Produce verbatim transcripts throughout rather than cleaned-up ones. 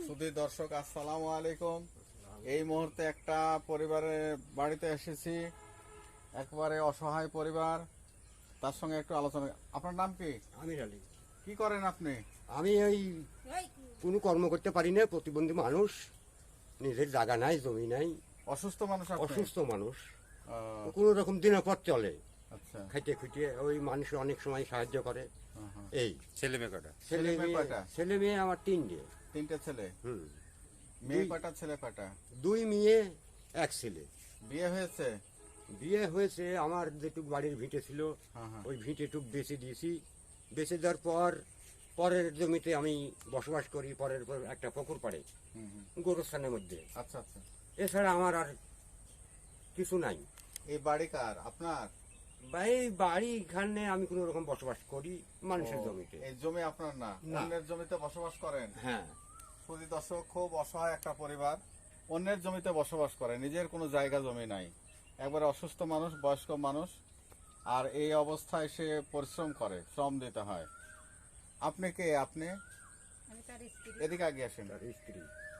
সুধী দর্শক আসসালামু আলাইকুম। এই মুহূর্তে একটা পরিবারের বাড়িতে এসেছি, একবারে অসহায় পরিবার, তার সঙ্গে একটু আলোচনা। আপনার নাম কি? আমির আলী। কি করেন আপনি? আমি ওই কোনো কর্ম করতে পারি না, প্রতিবন্ধী মানুষ, নিজের জায়গা নাই, জমি নাই, অসুস্থ মানুষ আপনি? অসুস্থ মানুষ, আহ, কোনো রকম দিনের পথ চলে, আচ্ছা। খাইতে খুঁটিয়ে ওই মানুষ অনেক সময় সাহায্য করে। হুম, হুম। এই ছেলে মেয়ে কটা? ছেলে ছেলে মেয়ে মেয়ে কয়টা? ছেলে মেয়ে আমার তিনটে। তিনটে ছেলে। হুম, মেয়ে দুই- কয়টা, ছেলে কয়টা? দুই মেয়ে এক ছেলে। বিয়ে হয়েছে? বিয়ে হয়েছে, আমার যেটুক বাড়ির ভিটে ছিল হ্যাঁ, হ্যাঁ। ওই ভিটেটুক বেঁচে দিয়েছি। বেঁচে দেওয়ার পর পরের জমিতে আমি বসবাস করি, পরের পর একটা পুকুর পাড়ে হুম, হুম। গোরস্থানের মধ্যে। আচ্ছা আচ্ছা। এছাড়া আমার আর কিছু নাই। এই বাড়ি কার? আপনার? বা এই বাড়ি এখানে আমি কোনো রকম বসবাস করি মানুষের ও, জমিতে। এই জমি আপনার না, না। অন্যের জমিতে বসবাস করেন? হ্যাঁ, সুধী দর্শক, খুব অসহায় একটা পরিবার, অন্যের জমিতে বসবাস করে, নিজের কোনো জায়গা জমি নাই, একবারে অসুস্থ মানুষ, বয়স্ক মানুষ, আর এই অবস্থায় সে পরিশ্রম করে, শ্রম দিতে হয়। আপনি কে? আপনি আমি তার স্ত্রী। এদিকে আগে আসেন। তার স্ত্রী।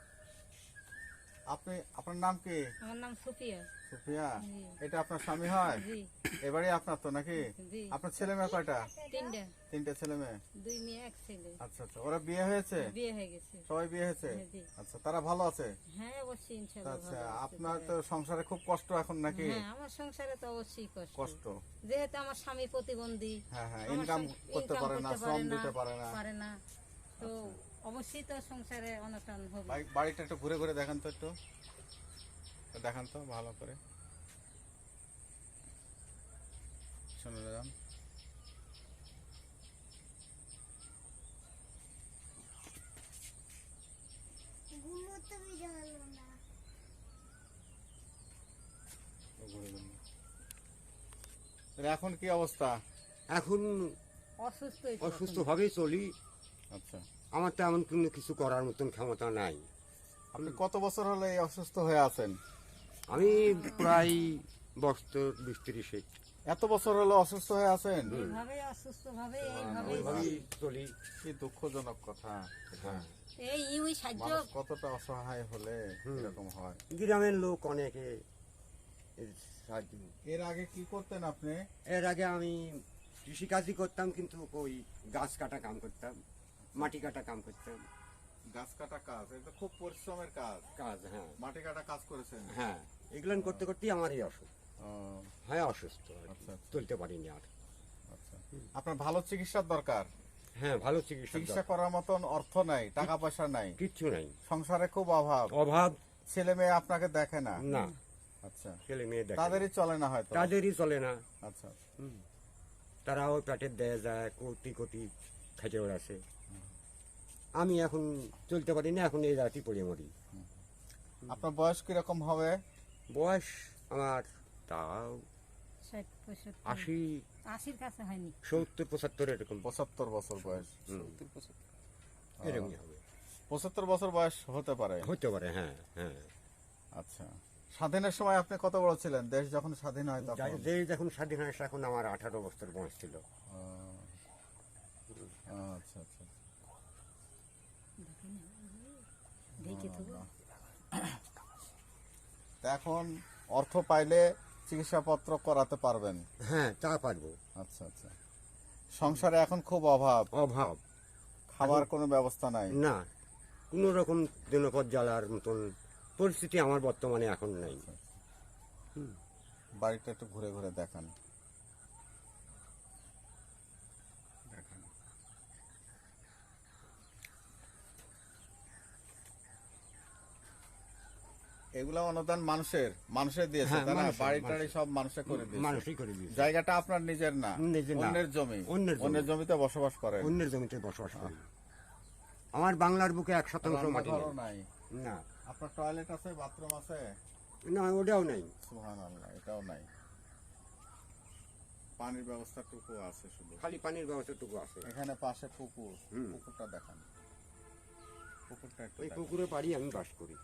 আপনি, আপনার নাম কি? আমার নাম সুফিয়া। সুফিয়া? জি। এটা আপনার স্বামী হয়? জি এবারে আপনার তো নাকি? জি। আপনার ছেলে মেয়ে কয়টা? তিনটা, তিনটে ছেলে মেয়ে। দুই মেয়ে এক ছেলে। আচ্ছা আচ্ছা। ওরা বিয়ে হয়েছে? বিয়ে হয়ে গেছে। সবাই বিয়ে হয়েছে? হ্যাঁ, জি। আচ্ছা, তারা ভালো আছে? হ্যাঁ অবশ্যই ইনশাআল্লাহ আচ্ছা, ভালো আছে আপনার তারা। তো সংসারে খুব কষ্ট এখন নাকি? হ্যাঁ আমার সংসারে তো অবশ্যই কষ্ট। কষ্ট। যেহেতু আমার স্বামী প্রতিবন্ধী, হ্যাঁ হ্যাঁ, আমার ইনকাম সং- করতে income পারে না, করতে শ্রম দিতে পারে না। পারে না, তো অবশ্যই তো সংসারে অনটন হবে। বাড়ি- বাড়িটা একটু ঘুরে ঘুরে দেখান তো, একটু দেখান তো ভালো করে, শুনে যান। ঘুরে ঘুরে। তাহলে এখন কি অবস্থা? এখন অসুস্থ অসুস্থ ভাবেই চলি। আচ্ছা, আমার তেমন কোনো কিছু করার মতন ক্ষমতা নাই। আপনি কত বছর হলে এই অসুস্থ হয়ে আছেন? আমি প্রায় বছর বিশ ত্রিশে এত বছর হলো অসুস্থ হয়ে আছেন? এইভাবে অসুস্থ ভাবে এইভাবে ওইভাবেই চলি। কি দুঃখসাজনক কথা। হ্যাঁ, এই ইউই সাহায্য। মানুষ কতটা অসহায় হলে এরকম হয়। গ্রামের লোক অনেকে এর সাহায্য। এর আগে কি করতেন আপনি? এর আগে আমি কৃষিকাজই করতাম, কিন্তু ওই গাছ কাটা কাম করতাম, মাটি কাটা কাম করতাম। গাছ কাটা কাজ, এটা খুব পরিশ্রমের কাজ। কাজ, হ্যাঁ মাটি কাটা কাজ করেছেন? হ্যাঁ, এগুলান করতে করতেই আমার এই অসুখ। ও, হ্যাঁ অসুস্থ আর কি। আচ্ছা, আচ্ছা। চলতে পারিনি আর। আচ্ছা। আপনার ভালো চিকিৎসার দরকার। হ্যাঁ, ভালো চিকিৎসা চিকিৎসা করার মতন অর্থ নাই, টাকা পয়সা নাই, কিচ্ছু নাই, সংসারে খুব অভাব, অভাব। ছেলে মেয়ে আপনাকে দেখে না। না, আচ্ছা, ছেলে মেয়ে দেখে তাদেরই চলে না হয়তো। না। তাদেরই চলে না। আচ্ছা, হুম। তারাও পেটের দেয়া যায়, কোটি কোটি খেটে ওড়াছে। আমি এখন চলতে পারি না, এখন এই রাতি পড়ে মরি। আপনার বয়স কিরকম হবে? বয়স আমার তাও ষাট পঁয়ষট্টি আশি, আশির কাছে হয়নি। সত্তর পঁচাত্তর এরকম। পঁচাত্তর বছর বয়স। হুম, এরকমই হবে, পঁচাত্তর বছর বয়স হতে পারে। হতে পারে। হ্যাঁ হ্যাঁ। আচ্ছা, স্বাধীনের সময় আপনি কত বড় ছিলেন? দেশ যখন স্বাধীন হয় তখন? যাই- যে যখন স্বাধীন হয় এখন আমার আঠারো বছর বয়স ছিল। ও, আচ্ছা আচ্ছা। দেখে তো তা এখন অর্থ পাইলে চিকিৎসাপত্র করাতে পারবেন? হ্যাঁ, তা পারবো। আচ্ছা আচ্ছা। সংসারে এখন খুব অভাব, অভাব খাবার কোনো ব্যবস্থা নাই? না, কোন রকম দিনপদ জ্বালার মতন পরিস্থিতি আমার বর্তমানে এখন নাই। বাড়িটা একটু ঘুরে ঘুরে দেখান। দেখান। এগুলা অনুদান মানুষের, মানুষের দিয়েছে হ্যাঁ, তাই না? মানুষের, বাড়ি টাড়ি মানুষের। সব মানুষের করে দিয়েছে। মানুষই করে দিয়েছে। জায়গাটা আপনার নিজের না, নিজের না। অন্যের জমি। অন্যের জমি। অন্যের জমিতে বসবাস করেন। অন্যের জমিতে বসবাস করি। আমার বাংলার বুকে এক শতাংশ মাটি রান্নাঘরও নেই। নাই? না, আপনার টয়লেট আছে, বাথরুম আছে? না, ওটাও নেই। সুবহানাল্লাহ, এটাও নাই। পানির ব্যবস্থাটুকু আছে শুধু। খালি পানির ব্যবস্থাটুকু আছে। এখানে পাশে পুকুর, হুম। পুকুরটা দেখান। পুকুরটা একটু ওই দেখান। পুকুরে পাড়ি আমি বাস করি।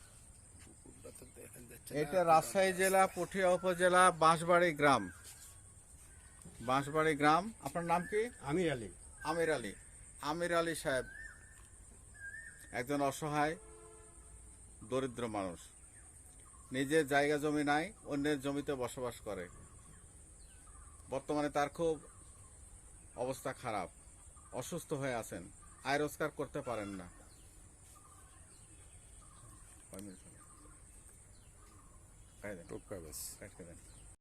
এটা রাজশাহী জেলা পুঠিয়া উপজেলা বাঁশবাড়ি গ্রাম। বাঁশবাড়ি গ্রাম। আপনার নাম কি? আমির আলী। আমির আলী। আমির আলী সাহেব, একজন অসহায় দরিদ্র মানুষ, নিজের জায়গা জমি নাই, অন্যের জমিতে বসবাস করে। বর্তমানে তার খুব অবস্থা খারাপ, অসুস্থ হয়ে আছেন, আয় রোজগার করতে পারেন না। কয় মিনিট হলো? কাই দেন, টুকা ব্যাস কাটকে দেন।